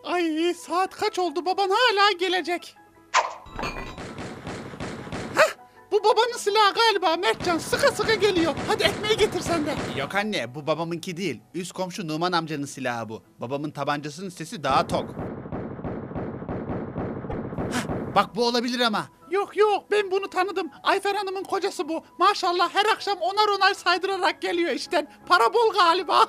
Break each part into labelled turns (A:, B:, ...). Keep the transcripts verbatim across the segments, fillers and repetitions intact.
A: Ay saat kaç oldu, baban hala gelecek. Hah, bu babanın silahı galiba Mertcan, sıkı sıkı geliyor. Hadi ekmeği getir sen de.
B: Yok anne, bu babamınki değil. Üst komşu Numan amcanın silahı bu. Babamın tabancasının sesi daha tok. Hah, bak bu olabilir ama.
A: Yok yok, ben bunu tanıdım. Ayfer Hanım'ın kocası bu. Maşallah her akşam onar onar saydırarak geliyor işten. Para bol galiba.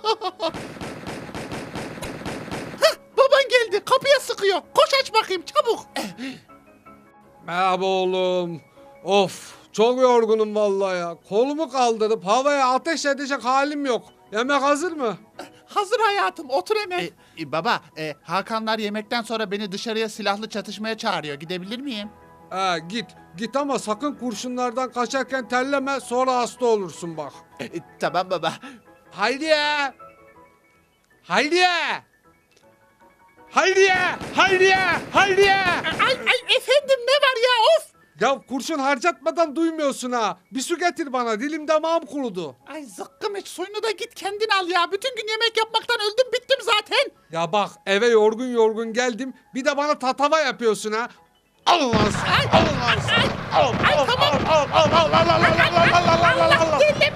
A: Hah, baban geldi, kapıya sıkıyor. Koş aç bakayım çabuk.
C: Merhaba oğlum. Of, çok yorgunum vallahi ya. Kolumu kaldırıp havaya ateş edecek halim yok. Yemek hazır mı?
A: Hazır hayatım, otur hemen.
B: E, e, baba, e, Hakanlar yemekten sonra beni dışarıya silahlı çatışmaya çağırıyor. Gidebilir miyim?
C: He git. Git ama sakın kurşunlardan kaçarken terleme, sonra hasta olursun bak.
B: E, e, tamam baba.
C: Hayriye! Hayriye! Hayriye! Hayriye! Hayriye!
A: Ay ay efendim, ne var ya, of.
C: Ya kurşun harcatmadan duymuyorsun ha. Bir su getir bana, dilim damağım kurudu.
A: Ay zıkkım iç, suyunu da git kendin al ya. Bütün gün yemek yapmaktan öldüm bittim zaten.
C: Ya bak eve yorgun yorgun geldim, bir de bana tatava yapıyorsun ha. Al lan sen, al lan sen. Al,
A: Ay
C: al,
A: tamam.
C: al, al, al, al, al, al, al, al, al, al, al, al, al.
A: Allah deli